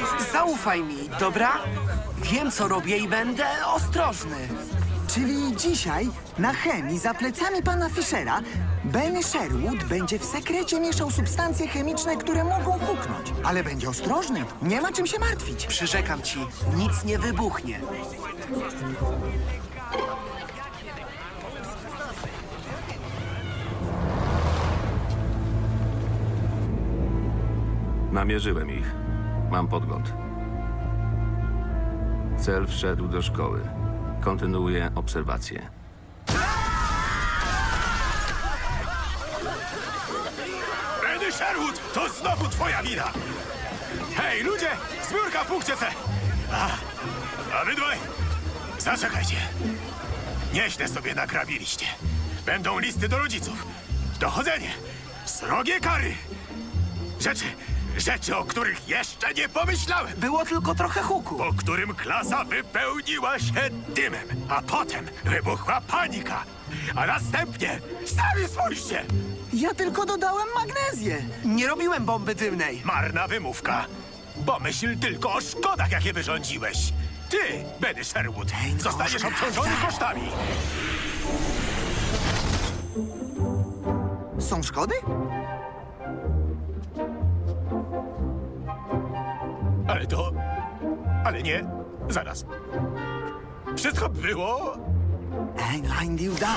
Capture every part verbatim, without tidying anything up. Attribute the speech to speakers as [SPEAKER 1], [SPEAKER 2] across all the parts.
[SPEAKER 1] Zaufaj mi, dobra? Wiem, co robię i będę ostrożny.
[SPEAKER 2] Czyli dzisiaj na chemii za plecami pana Fischera Ben Sherwood będzie w sekrecie mieszał substancje chemiczne, które mogą huknąć. Ale będzie ostrożny, nie ma czym się martwić.
[SPEAKER 1] Przyrzekam ci, nic nie wybuchnie.
[SPEAKER 3] Namierzyłem ich. Mam podgląd. Cel wszedł do szkoły. Kontynuuję obserwację.
[SPEAKER 4] Benny Sherwood, to znowu twoja wina! Hej, ludzie! Zbiórka w punkcie C! A, a wy dwaj, zaczekajcie. Nieźle sobie nagrabiliście. Będą listy do rodziców. Dochodzenie. Srogie kary. Rzeczy, rzeczy, o których jeszcze nie pomyślałem.
[SPEAKER 1] Było tylko trochę huku.
[SPEAKER 4] Po którym klasa wypełniła się dymem, a potem wybuchła panika. A następnie, sami spójrzcie,
[SPEAKER 2] Ja tylko dodałem magnezję.
[SPEAKER 1] Nie robiłem bomby dymnej.
[SPEAKER 4] marna wymówka. Pomyśl tylko o szkodach, jakie wyrządziłeś. Ty, Benny Sherwood, zostaniesz obciążony kosztami.
[SPEAKER 2] Są szkody?
[SPEAKER 4] Ale to... Ale nie, zaraz. Wszystko było...
[SPEAKER 2] Ein Diuda.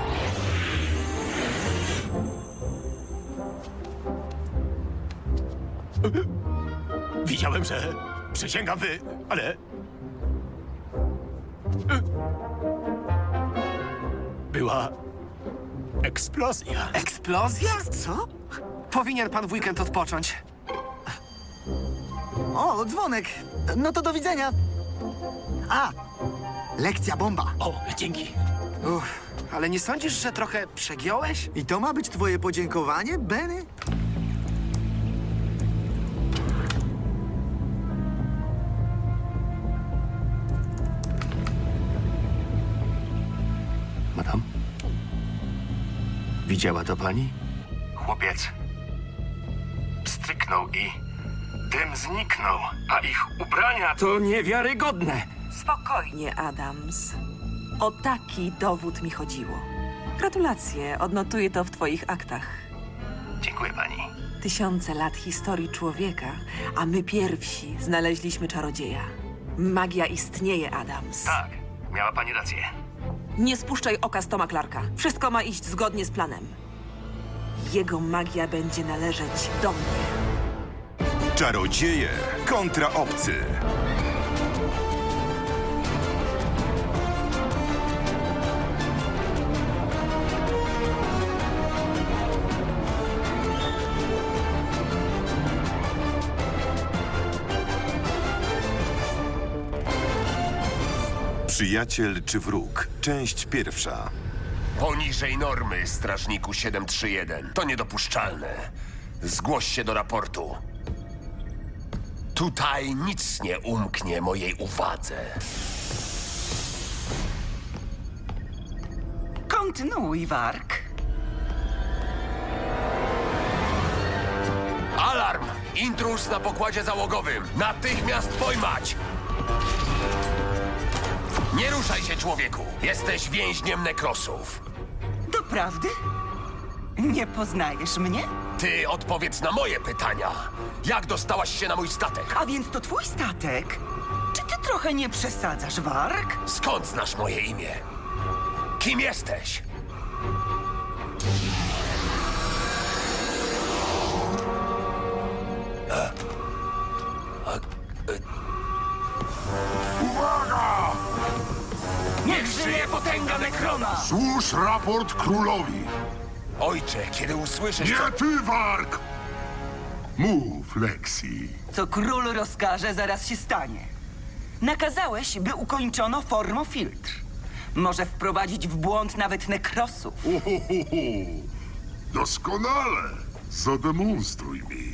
[SPEAKER 4] Widziałem, że... Przysięgam wy, ale... Była... eksplozja.
[SPEAKER 1] Eksplozja?
[SPEAKER 2] Co?
[SPEAKER 1] Powinien pan w weekend odpocząć.
[SPEAKER 2] O, dzwonek. No to do widzenia. A, lekcja bomba.
[SPEAKER 4] O, dzięki.
[SPEAKER 1] Uff, ale nie sądzisz, że trochę przegiąłeś?
[SPEAKER 2] I to ma być twoje podziękowanie, Benny?
[SPEAKER 3] Madam? Widziała to pani?
[SPEAKER 5] Chłopiec pstryknął i dym zniknął, a ich ubrania to niewiarygodne.
[SPEAKER 6] Spokojnie, Adams. O taki dowód mi chodziło. Gratulacje, odnotuję to w twoich aktach.
[SPEAKER 5] Dziękuję pani.
[SPEAKER 6] Tysiące lat historii człowieka, a my pierwsi znaleźliśmy czarodzieja. Magia istnieje, Adams.
[SPEAKER 5] Tak, miała pani rację.
[SPEAKER 6] Nie spuszczaj oka z Toma Clarka. Wszystko ma iść zgodnie z planem. Jego magia będzie należeć do mnie.
[SPEAKER 7] Czarodzieje kontra obcy. Przyjaciel czy wróg? Część pierwsza.
[SPEAKER 8] Poniżej normy, strażniku siedem trzy jeden. To niedopuszczalne. Zgłoś się do raportu. Tutaj nic nie umknie mojej uwadze.
[SPEAKER 9] Kontynuuj, Wark.
[SPEAKER 8] Alarm! Intruz na pokładzie załogowym. Natychmiast pojmać! Nie ruszaj się, człowieku. Jesteś więźniem nekrosów.
[SPEAKER 9] Doprawdy? Nie poznajesz mnie?
[SPEAKER 8] Ty odpowiedz na moje pytania. Jak dostałaś się na mój statek?
[SPEAKER 9] A więc to twój statek? Czy ty trochę nie przesadzasz, Wark?
[SPEAKER 8] Skąd znasz moje imię? Kim jesteś? Niech żyje potęga Nekrona!
[SPEAKER 10] Złóż raport królowi.
[SPEAKER 8] Ojcze, kiedy usłyszysz, co...
[SPEAKER 10] Nie ty, Wark! Mów, Lexi.
[SPEAKER 9] Co król rozkaże, zaraz się stanie. Nakazałeś, by ukończono formofiltr. Może wprowadzić w błąd nawet nekrosów.
[SPEAKER 10] Uhuhuhu. Doskonale. Zademonstruj mi.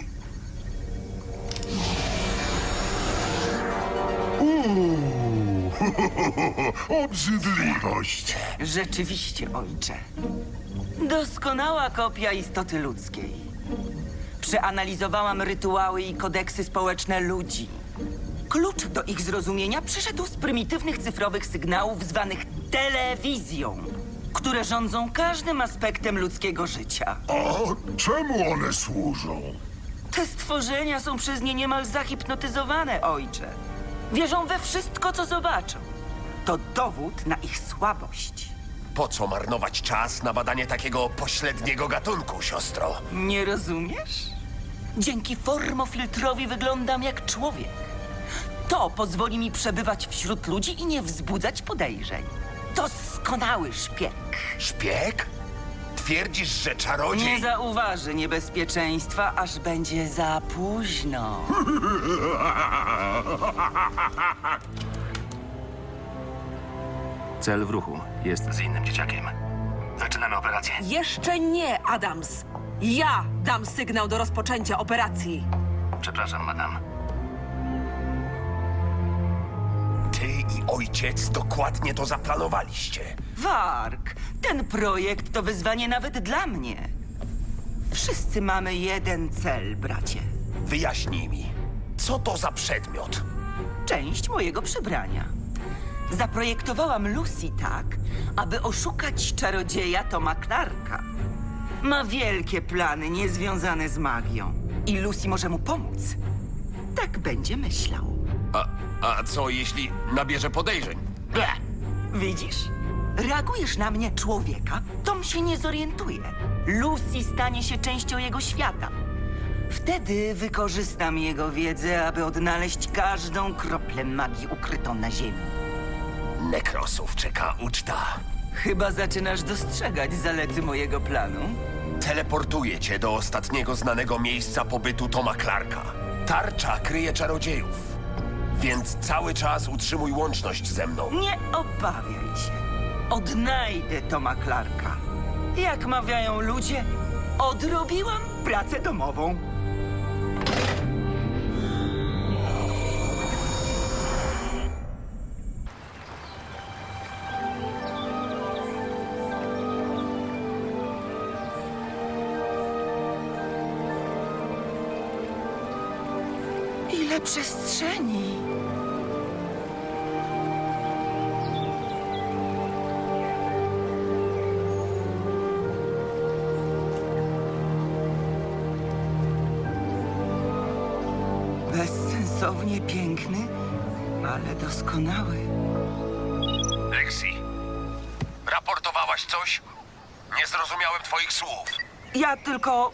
[SPEAKER 10] Uuu, obrzydliwość.
[SPEAKER 9] Rzeczywiście, ojcze. Doskonała kopia istoty ludzkiej. Przeanalizowałam rytuały i kodeksy społeczne ludzi. Klucz do ich zrozumienia przyszedł z prymitywnych cyfrowych sygnałów zwanych telewizją, które rządzą każdym aspektem ludzkiego życia.
[SPEAKER 10] A czemu one służą?
[SPEAKER 9] Te stworzenia są przez nie niemal zahipnotyzowane, ojcze. Wierzą we wszystko, co zobaczą. To dowód na ich słabość.
[SPEAKER 8] Po co marnować czas na badanie takiego pośredniego gatunku, siostro?
[SPEAKER 9] Nie rozumiesz? Dzięki formofiltrowi wyglądam jak człowiek. To pozwoli mi przebywać wśród ludzi i nie wzbudzać podejrzeń. Doskonały szpieg.
[SPEAKER 8] Szpieg? Twierdzisz, że czarodziej...
[SPEAKER 9] Nie zauważy niebezpieczeństwa, aż będzie za późno.
[SPEAKER 3] Cel w ruchu. Jest z innym dzieciakiem. Zaczynamy operację.
[SPEAKER 6] Jeszcze nie, Adams. Ja dam sygnał do rozpoczęcia operacji.
[SPEAKER 3] Przepraszam, madam.
[SPEAKER 8] Ty i ojciec dokładnie to zaplanowaliście.
[SPEAKER 9] Wark, ten projekt to wyzwanie nawet dla mnie. Wszyscy mamy jeden cel, bracie.
[SPEAKER 8] Wyjaśnij mi, co to za przedmiot?
[SPEAKER 9] Część mojego przybrania. Zaprojektowałam Lucy tak, aby oszukać czarodzieja Toma Clarka. Ma wielkie plany niezwiązane z magią i Lucy może mu pomóc. Tak będzie myślał.
[SPEAKER 8] A, a co jeśli nabierze podejrzeń?
[SPEAKER 9] Ble. Widzisz? Reagujesz na mnie, człowieka, Tom się nie zorientuje. Lucy stanie się częścią jego świata. Wtedy wykorzystam jego wiedzę, aby odnaleźć każdą kroplę magii ukrytą na ziemi.
[SPEAKER 8] Nekrosów czeka uczta.
[SPEAKER 9] Chyba zaczynasz dostrzegać zalety mojego planu.
[SPEAKER 8] Teleportuję cię do ostatniego znanego miejsca pobytu Toma Clarka. Tarcza kryje czarodziejów, więc cały czas utrzymuj łączność ze mną.
[SPEAKER 9] Nie obawiaj się. Odnajdę Toma Clarka. Jak mawiają ludzie, odrobiłam pracę domową. Ile przestrzeni! Bezsensownie piękny, ale doskonały.
[SPEAKER 8] Lexi, raportowałaś coś? Nie zrozumiałem twoich słów.
[SPEAKER 9] Ja tylko...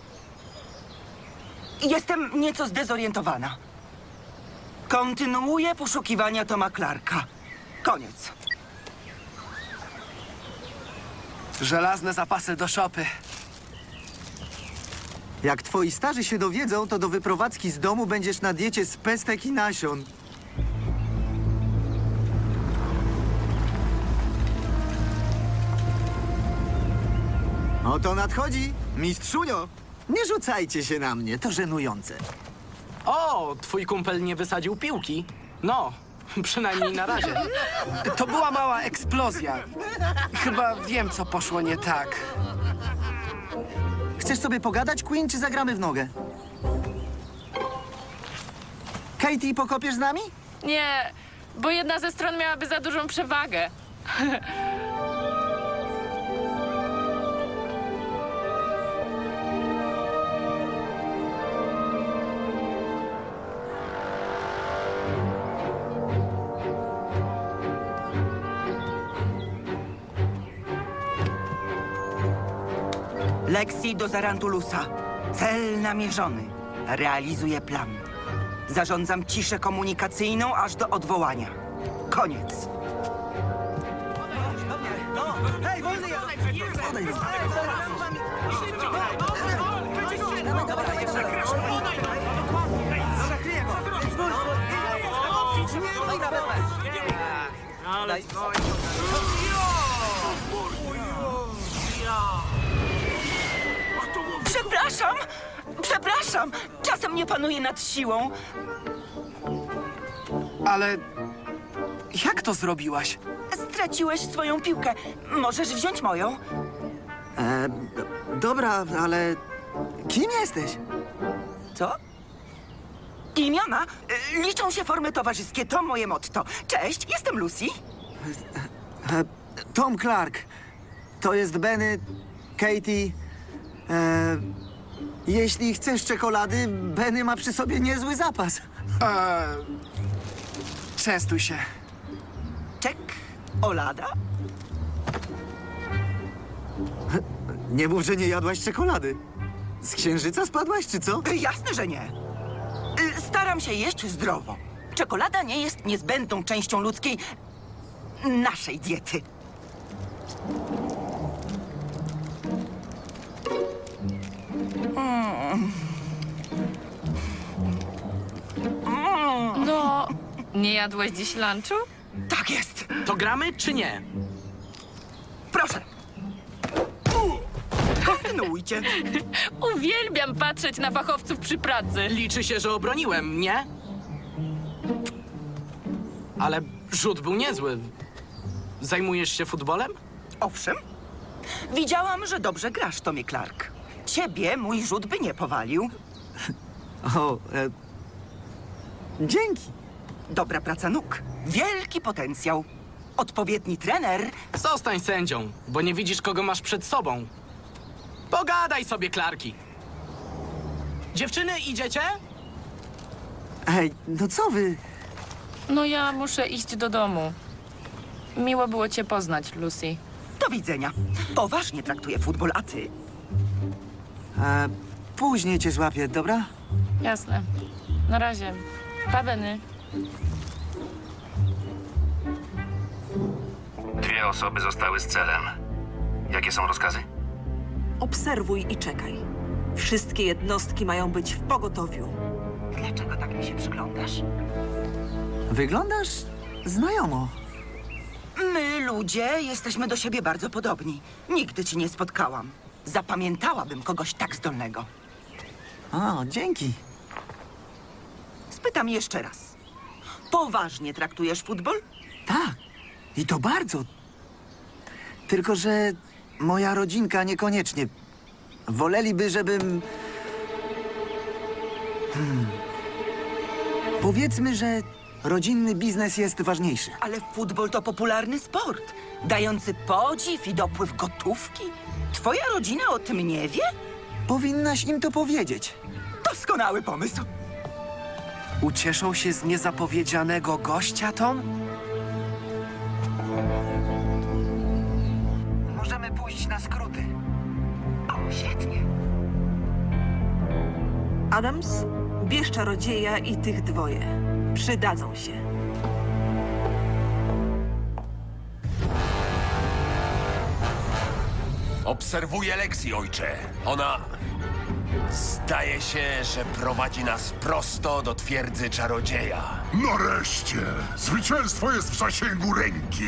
[SPEAKER 9] Jestem nieco zdezorientowana. Kontynuuję poszukiwania Toma Clarka. Koniec.
[SPEAKER 1] Żelazne zapasy do szopy.
[SPEAKER 2] Jak twoi starzy się dowiedzą, to do wyprowadzki z domu będziesz na diecie z pestek i nasion. Oto nadchodzi, mistrzunio. Nie rzucajcie się na mnie, to żenujące.
[SPEAKER 11] O, twój kumpel nie wysadził piłki. No, przynajmniej na razie.
[SPEAKER 1] To była mała eksplozja. Chyba wiem, co poszło nie tak.
[SPEAKER 2] Chcesz sobie pogadać, Queen, czy zagramy w nogę? Katie, pokopiesz z nami?
[SPEAKER 12] Nie, bo jedna ze stron miałaby za dużą przewagę.
[SPEAKER 9] Lexi do Zarantulusa. Cel namierzony. Realizuję plan. Zarządzam ciszę komunikacyjną aż do odwołania. Koniec. Przepraszam! Przepraszam! Czasem nie panuję nad siłą.
[SPEAKER 1] Ale jak to zrobiłaś?
[SPEAKER 9] Straciłeś swoją piłkę. Możesz wziąć moją?
[SPEAKER 2] E, d- dobra, ale kim jesteś?
[SPEAKER 9] Co? Imiona? Y, Liczą się formy towarzyskie, to moje motto. Cześć, jestem Lucy.
[SPEAKER 2] E, Tom Clark. To jest Benny, Katie. E, jeśli chcesz czekolady, Benny ma przy sobie niezły zapas.
[SPEAKER 1] Częstuj się.
[SPEAKER 9] Czek, Olada?
[SPEAKER 2] Nie mów, że nie jadłaś czekolady. Z księżyca spadłaś, czy co?
[SPEAKER 9] Y, Jasne, że nie. Y, Staram się jeść zdrowo. Czekolada nie jest niezbędną częścią ludzkiej... naszej diety.
[SPEAKER 12] No, nie jadłeś dziś lunchu?
[SPEAKER 9] Tak jest.
[SPEAKER 11] To gramy czy nie?
[SPEAKER 9] Proszę. Kontynuujcie.
[SPEAKER 12] Uwielbiam patrzeć na fachowców przy pracy.
[SPEAKER 11] Liczy się, że obroniłem, nie? Ale rzut był niezły. Zajmujesz się futbolem?
[SPEAKER 9] Owszem. Widziałam, że dobrze grasz, Tomie Clark. Ciebie mój rzut by nie powalił.
[SPEAKER 2] O, e, dzięki.
[SPEAKER 9] Dobra praca nóg. Wielki potencjał. Odpowiedni trener.
[SPEAKER 11] Zostań sędzią, bo nie widzisz, kogo masz przed sobą. Pogadaj sobie, Clarki. Dziewczyny, idziecie?
[SPEAKER 2] Ej, no co wy?
[SPEAKER 12] No ja muszę iść do domu. Miło było cię poznać, Lucy.
[SPEAKER 9] Do widzenia. Poważnie traktuję futbol, a ty?
[SPEAKER 2] E, później cię złapię, dobra?
[SPEAKER 12] Jasne. Na razie. Pa, Benny.
[SPEAKER 3] Dwie osoby zostały z celem. Jakie są rozkazy?
[SPEAKER 6] Obserwuj i czekaj. Wszystkie jednostki mają być w pogotowiu.
[SPEAKER 9] Dlaczego tak mi się przyglądasz?
[SPEAKER 2] Wyglądasz znajomo.
[SPEAKER 9] My, ludzie, jesteśmy do siebie bardzo podobni. Nigdy ci nie spotkałam. Zapamiętałabym kogoś tak zdolnego.
[SPEAKER 2] O, dzięki.
[SPEAKER 9] Spytam jeszcze raz. Poważnie traktujesz futbol?
[SPEAKER 2] Tak. I to bardzo. Tylko, że moja rodzinka niekoniecznie. Woleliby, żebym... Hmm. Powiedzmy, że rodzinny biznes jest ważniejszy.
[SPEAKER 9] Ale futbol to popularny sport, dający podziw i dopływ gotówki. Twoja rodzina o tym nie wie?
[SPEAKER 2] Powinnaś im to powiedzieć.
[SPEAKER 9] Doskonały pomysł.
[SPEAKER 1] Ucieszą się z niezapowiedzianego gościa, Tom?
[SPEAKER 2] Możemy pójść na skróty.
[SPEAKER 9] O, świetnie.
[SPEAKER 6] Adams, bierz czarodzieja i tych dwoje. Przydadzą się.
[SPEAKER 8] Obserwuję Lexi, ojcze. Ona... Zdaje się, że prowadzi nas prosto do twierdzy czarodzieja.
[SPEAKER 10] Nareszcie! Zwycięstwo jest w zasięgu ręki!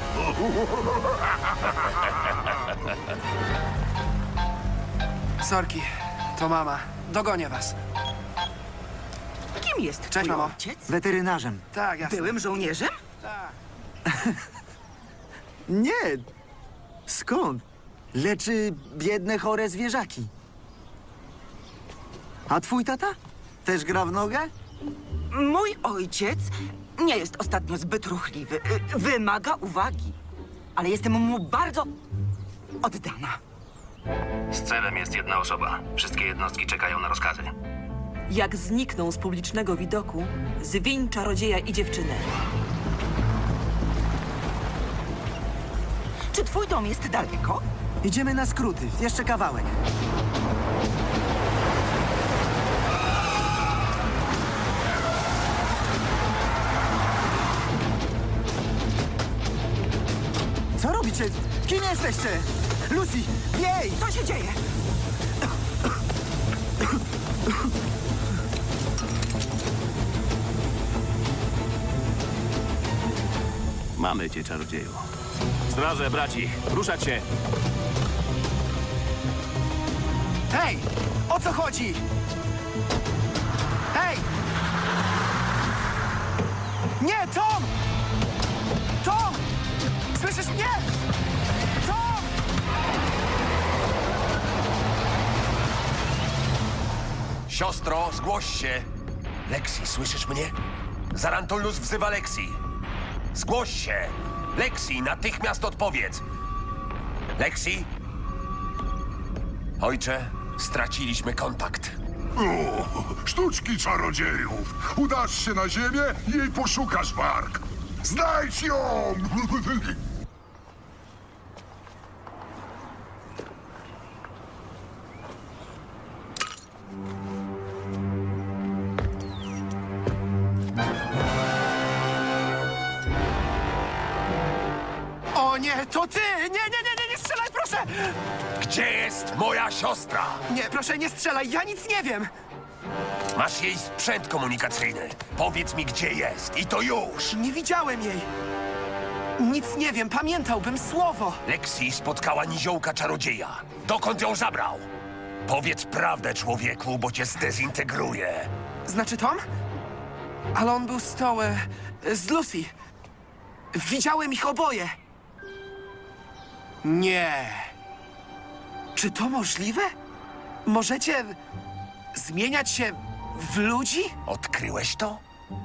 [SPEAKER 1] Sorki, to mama. Dogonię was.
[SPEAKER 9] Kim jest
[SPEAKER 1] Cześć,
[SPEAKER 9] twój
[SPEAKER 1] mamo.
[SPEAKER 9] ojciec?
[SPEAKER 2] Weterynarzem.
[SPEAKER 1] Tak, jasne.
[SPEAKER 9] Byłym żołnierzem?
[SPEAKER 2] Nie. Skąd? Leczy biedne, chore zwierzaki. A twój tata? Też gra w nogę?
[SPEAKER 9] Mój ojciec nie jest ostatnio zbyt ruchliwy. Y, Wymaga uwagi. Ale jestem mu bardzo oddana.
[SPEAKER 3] Z celem jest jedna osoba. Wszystkie jednostki czekają na rozkazy.
[SPEAKER 6] Jak znikną z publicznego widoku, zwiń czarodzieja i dziewczynę.
[SPEAKER 9] Czy twój dom jest daleko?
[SPEAKER 2] Idziemy na skróty. Jeszcze kawałek. Co robicie? Kim jesteście? Lucy, jej!
[SPEAKER 9] Co się dzieje?
[SPEAKER 3] Mamy cię, czarodzieju. Straże, braci, ruszać się!
[SPEAKER 1] Hej! O co chodzi? Hej! Nie, Tom! Tom! Słyszysz mnie? Tom!
[SPEAKER 8] Siostro, zgłoś się. Lexi, słyszysz mnie? Zarantulus wzywa Lexi. Zgłoś się. Lexi, natychmiast odpowiedz. Lexi? Ojcze, straciliśmy kontakt.
[SPEAKER 10] O, sztuczki czarodziejów. Udasz się na ziemię i jej poszukasz, Mark. Znajdź ją!
[SPEAKER 1] O nie, to ty! Nie, nie, nie, nie, nie strzelaj, proszę!
[SPEAKER 8] Gdzie jest moja siostra?
[SPEAKER 1] Nie, proszę, nie strzelaj, ja nic nie wiem!
[SPEAKER 8] Masz jej sprzęt komunikacyjny. Powiedz mi, gdzie jest. I to już.
[SPEAKER 1] Nie widziałem jej. Nic nie wiem, pamiętałbym słowo.
[SPEAKER 8] Lexi spotkała niziołka czarodzieja. Dokąd ją zabrał? Powiedz prawdę, człowieku, bo cię zdezintegruje.
[SPEAKER 1] Znaczy Tom? Ale on był z tą... E, z Lucy. Widziałem ich oboje. Nie. Czy to możliwe? Możecie zmieniać się w ludzi?
[SPEAKER 8] Odkryłeś to?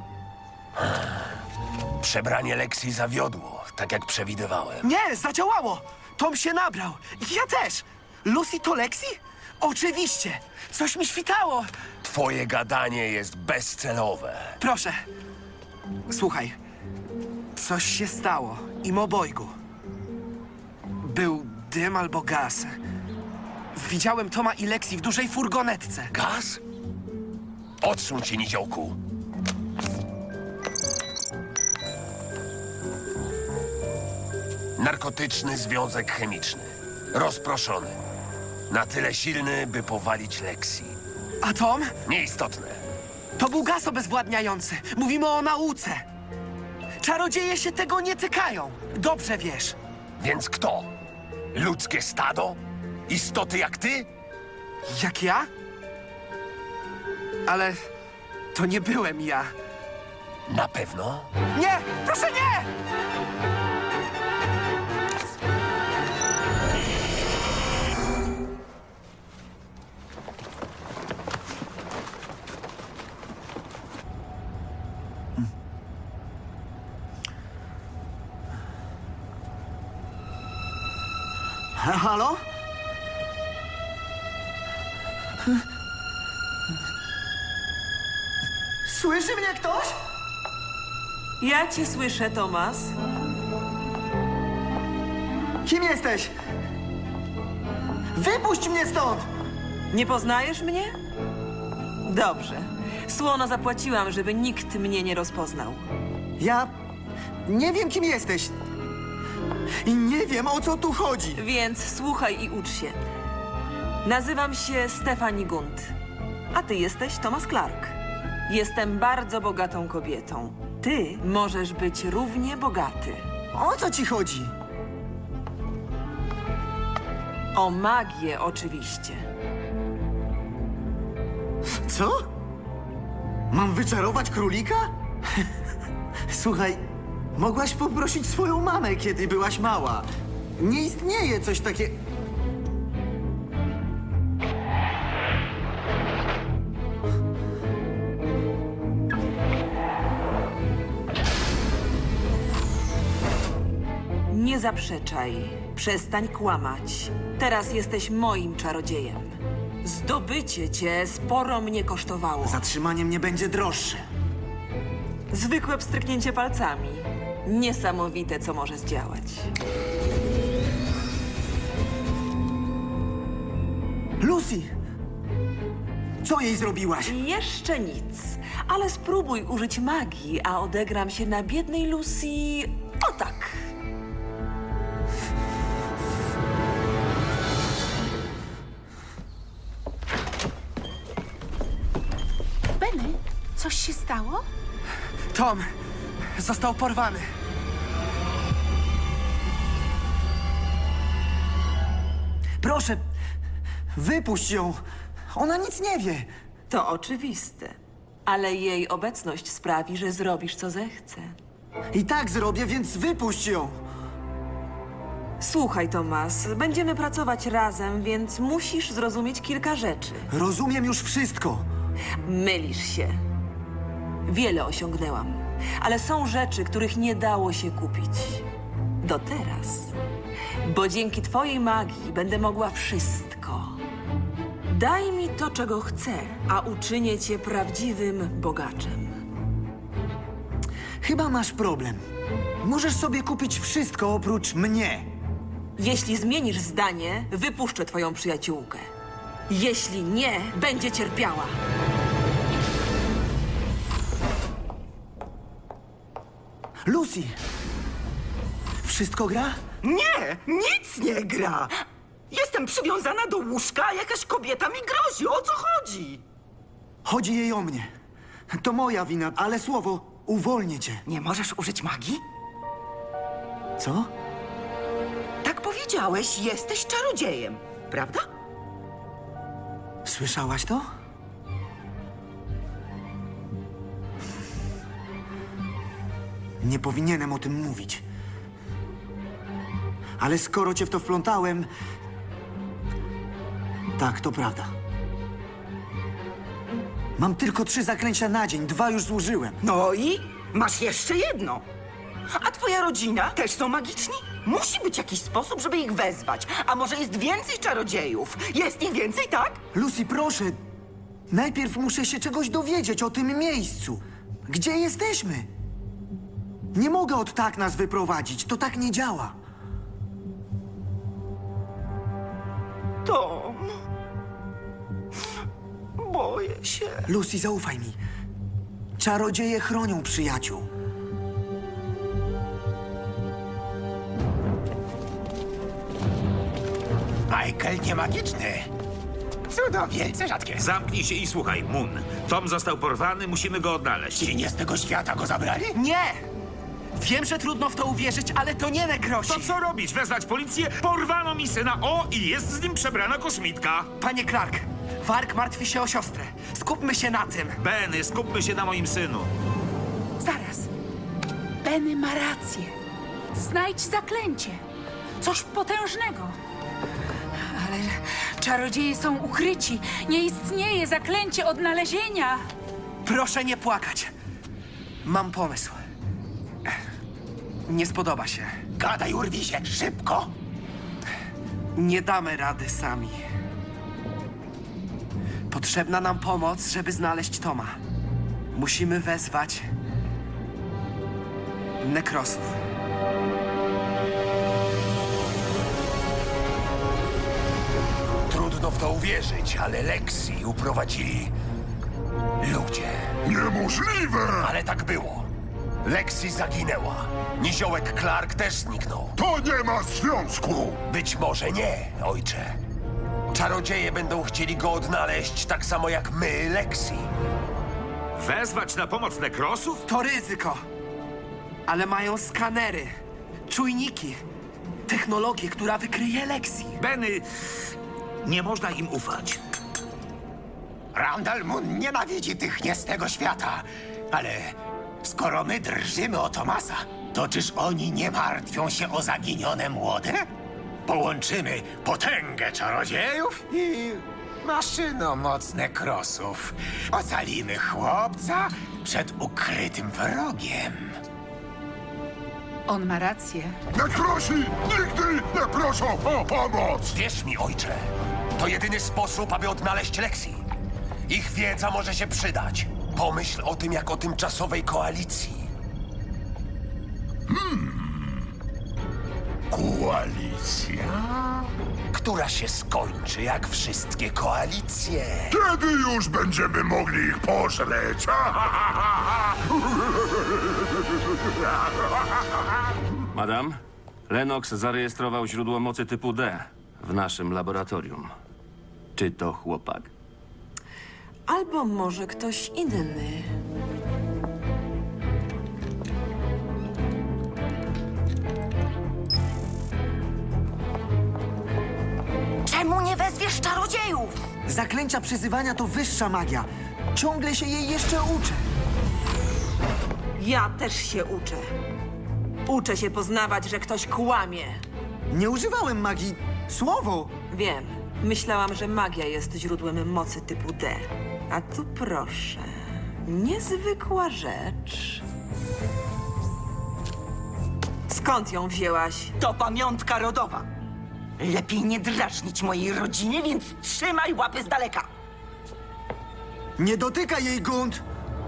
[SPEAKER 8] Przebranie Lexi zawiodło, tak jak przewidywałem.
[SPEAKER 1] Nie, zadziałało. Tom się nabrał. Ja też. Lucy to Lexi? Oczywiście. Coś mi świtało.
[SPEAKER 8] Twoje gadanie jest bezcelowe.
[SPEAKER 1] Proszę. Słuchaj. Coś się stało. Im obojgu. Był dym albo gaz. Widziałem Toma i Lexi w dużej furgonetce.
[SPEAKER 8] Gaz? Odsuń się, niziołku. Narkotyczny związek chemiczny. Rozproszony. Na tyle silny, by powalić Lexi.
[SPEAKER 1] A Tom?
[SPEAKER 8] Nieistotne.
[SPEAKER 1] To był gaz obezwładniający. Mówimy o nauce. Czarodzieje się tego nie tykają. Dobrze wiesz.
[SPEAKER 8] Więc kto? Ludzkie stado? Istoty jak ty?
[SPEAKER 1] Jak ja? Ale to nie byłem ja.
[SPEAKER 8] Na pewno?
[SPEAKER 1] Nie! Proszę nie!
[SPEAKER 2] Halo? Słyszy mnie ktoś?
[SPEAKER 6] Ja cię słyszę, Tomas.
[SPEAKER 2] Kim jesteś? Wypuść mnie stąd!
[SPEAKER 6] Nie poznajesz mnie? Dobrze. Słono zapłaciłam, żeby nikt mnie nie rozpoznał.
[SPEAKER 2] Ja nie wiem, kim jesteś. I nie wiem, o co tu chodzi.
[SPEAKER 6] Więc słuchaj i ucz się. Nazywam się Stephanie Gunt, a ty jesteś Thomas Clark. Jestem bardzo bogatą kobietą. Ty możesz być równie bogaty.
[SPEAKER 2] O co ci chodzi?
[SPEAKER 6] O magię oczywiście.
[SPEAKER 2] Co? Mam wyczarować królika? Słuchaj, mogłaś poprosić swoją mamę, kiedy byłaś mała. Nie istnieje coś takiego.
[SPEAKER 6] Nie zaprzeczaj. Przestań kłamać. Teraz jesteś moim czarodziejem. Zdobycie cię sporo mnie kosztowało.
[SPEAKER 2] Zatrzymanie mnie będzie droższe.
[SPEAKER 6] Zwykłe pstryknięcie palcami. Niesamowite, co może zdziałać.
[SPEAKER 2] Lucy! Co jej zrobiłaś?
[SPEAKER 6] Jeszcze nic, ale spróbuj użyć magii, a odegram się na biednej Lucy... O tak!
[SPEAKER 13] Benny, coś się stało?
[SPEAKER 1] Tom został porwany.
[SPEAKER 2] Proszę, wypuść ją. Ona nic nie wie.
[SPEAKER 6] To oczywiste. Ale jej obecność sprawi, że zrobisz, co zechce.
[SPEAKER 2] I tak zrobię, więc wypuść ją.
[SPEAKER 6] Słuchaj, Tomas, będziemy pracować razem, więc musisz zrozumieć kilka rzeczy.
[SPEAKER 2] Rozumiem już wszystko.
[SPEAKER 6] Mylisz się. Wiele osiągnęłam, ale są rzeczy, których nie dało się kupić. Do teraz. Bo dzięki twojej magii będę mogła wszystko. Daj mi to, czego chcę, a uczynię cię prawdziwym bogaczem.
[SPEAKER 2] Chyba masz problem. Możesz sobie kupić wszystko oprócz mnie.
[SPEAKER 6] Jeśli zmienisz zdanie, wypuszczę twoją przyjaciółkę. Jeśli nie, będzie cierpiała.
[SPEAKER 2] Lucy! Wszystko gra?
[SPEAKER 9] Nie, nic nie gra. Jestem przywiązana do łóżka, a jakaś kobieta mi grozi. O co chodzi?
[SPEAKER 2] Chodzi jej o mnie. To moja wina, ale słowo, uwolnię cię.
[SPEAKER 9] Nie możesz użyć magii?
[SPEAKER 2] Co?
[SPEAKER 9] Tak powiedziałeś, jesteś czarodziejem, prawda?
[SPEAKER 2] Słyszałaś to? Nie powinienem o tym mówić. Ale skoro cię w to wplątałem... Tak, to prawda. Mam tylko trzy zaklęcia na dzień, dwa już zużyłem.
[SPEAKER 9] No i masz jeszcze jedno. A twoja rodzina też są magiczni? Musi być jakiś sposób, żeby ich wezwać. A może jest więcej czarodziejów? Jest ich więcej, tak?
[SPEAKER 2] Lucy, proszę. Najpierw muszę się czegoś dowiedzieć o tym miejscu. Gdzie jesteśmy? Nie mogę od tak nas wyprowadzić. To tak nie działa.
[SPEAKER 9] Tom. Boję się.
[SPEAKER 2] Lucy, zaufaj mi. Czarodzieje chronią przyjaciół.
[SPEAKER 4] Michael nie magiczny. Cudo wielce rzadkie.
[SPEAKER 14] Zamknij się i słuchaj, Moon. Tom został porwany, musimy go odnaleźć.
[SPEAKER 4] Ci nie z tego świata go zabrali?
[SPEAKER 1] Nie! Wiem, że trudno w to uwierzyć, ale to nie nekrosi.
[SPEAKER 14] To co robić? Wezwać policję? Porwano mi syna, o, i jest z nim przebrana kosmitka.
[SPEAKER 1] Panie Clark, Warg martwi się o siostrę. Skupmy się na tym.
[SPEAKER 14] Benny, skupmy się na moim synu.
[SPEAKER 13] Zaraz. Benny ma rację. Znajdź zaklęcie. Coś potężnego. Ale czarodzieje są ukryci. Nie istnieje zaklęcie odnalezienia.
[SPEAKER 1] Proszę nie płakać. Mam pomysł. Nie spodoba się.
[SPEAKER 4] Gadaj, urwij się, szybko.
[SPEAKER 1] Nie damy rady sami. Potrzebna nam pomoc, żeby znaleźć Toma. Musimy wezwać nekrosów.
[SPEAKER 8] Trudno w to uwierzyć, ale Lexi uprowadzili ludzie.
[SPEAKER 10] Niemożliwe!
[SPEAKER 8] Ale tak było. Lexi zaginęła. Niziołek Clark też zniknął.
[SPEAKER 10] To nie ma związku!
[SPEAKER 8] Być może nie, ojcze. Czarodzieje będą chcieli go odnaleźć tak samo jak my, Lexi.
[SPEAKER 14] Wezwać na pomoc nekrosów?
[SPEAKER 1] To ryzyko. Ale mają skanery, czujniki, technologię, która wykryje Lexi.
[SPEAKER 14] Benny, nie można im ufać.
[SPEAKER 4] Randall Moon nienawidzi tych nie z tego świata. Ale skoro my drżymy o Tomasa, to czyż oni nie martwią się o zaginione młode? Połączymy potęgę czarodziejów i maszynomocne krosów. Ocalimy chłopca przed ukrytym wrogiem.
[SPEAKER 13] On ma rację.
[SPEAKER 10] Nekrosi nigdy nie proszą o pomoc!
[SPEAKER 8] Wierz mi, ojcze. To jedyny sposób, aby odnaleźć Lexi. Ich wiedza może się przydać. Pomyśl o tym jak o tymczasowej koalicji.
[SPEAKER 10] Koalicja?
[SPEAKER 8] Która się skończy jak wszystkie koalicje.
[SPEAKER 10] Kiedy już będziemy mogli ich pożreć?
[SPEAKER 3] Madam, Lennox zarejestrował źródło mocy typu D w naszym laboratorium. Czy to chłopak?
[SPEAKER 6] Albo może ktoś inny.
[SPEAKER 9] Czemu nie wezwiesz czarodziejów?
[SPEAKER 2] Zaklęcia przyzywania to wyższa magia. Ciągle się jej jeszcze uczę.
[SPEAKER 6] Ja też się uczę. Uczę się poznawać, że ktoś kłamie.
[SPEAKER 2] Nie używałem magii. Słowo!
[SPEAKER 6] Wiem. Myślałam, że magia jest źródłem mocy typu D. A tu proszę. Niezwykła rzecz. Skąd ją wzięłaś?
[SPEAKER 9] To pamiątka rodowa. Lepiej nie drażnić mojej rodziny, więc trzymaj łapy z daleka.
[SPEAKER 2] Nie dotykaj jej, Gunt!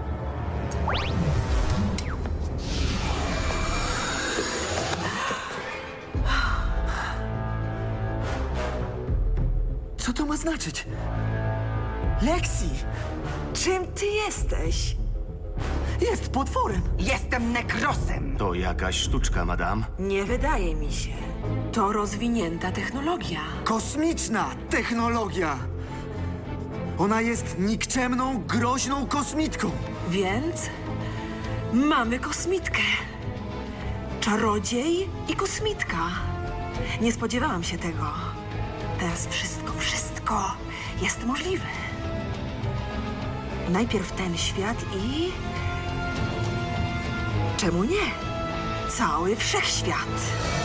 [SPEAKER 2] Co to ma znaczyć? Lexi!
[SPEAKER 6] Czym ty jesteś?
[SPEAKER 2] Jest potworem!
[SPEAKER 9] Jestem nekrosem.
[SPEAKER 3] To jakaś sztuczka, madam.
[SPEAKER 6] Nie wydaje mi się. To rozwinięta technologia.
[SPEAKER 2] Kosmiczna technologia! Ona jest nikczemną, groźną kosmitką!
[SPEAKER 6] Więc mamy kosmitkę. Czarodziej i kosmitka. Nie spodziewałam się tego. Teraz wszystko, wszystko jest możliwe. Najpierw ten świat i... Czemu nie? Cały wszechświat.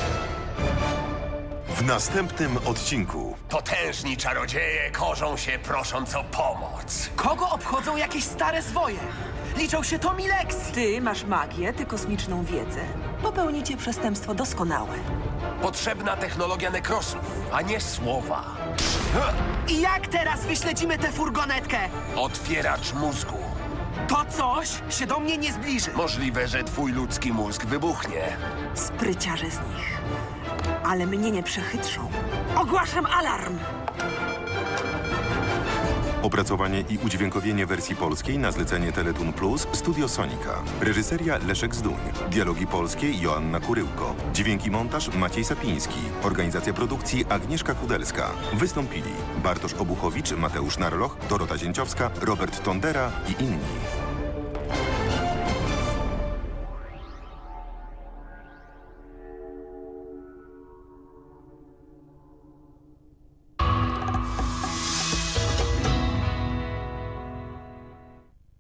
[SPEAKER 7] W następnym odcinku.
[SPEAKER 8] Potężni czarodzieje korzą się prosząc o pomoc.
[SPEAKER 1] Kogo obchodzą jakieś stare zwoje? Liczą się Tom i Lexi.
[SPEAKER 6] Ty masz magię, ty kosmiczną wiedzę. Popełnicie przestępstwo doskonałe.
[SPEAKER 8] Potrzebna technologia nekrosów, a nie słowa.
[SPEAKER 1] I jak teraz wyśledzimy tę furgonetkę?
[SPEAKER 8] Otwieracz mózgu.
[SPEAKER 1] To coś się do mnie nie zbliży.
[SPEAKER 8] Możliwe, że twój ludzki mózg wybuchnie.
[SPEAKER 6] Spryciarze z nich. Ale mnie nie przechytrzą. Ogłaszam alarm!
[SPEAKER 7] Opracowanie i udźwiękowienie wersji polskiej na zlecenie Teletun Plus Studio Sonika. Reżyseria Leszek Zduń. Dialogi polskie Joanna Kuryłko. Dźwięk i montaż Maciej Sapiński. Organizacja produkcji Agnieszka Kudelska. Wystąpili Bartosz Obuchowicz, Mateusz Narloch, Dorota Zięciowska, Robert Tondera i inni.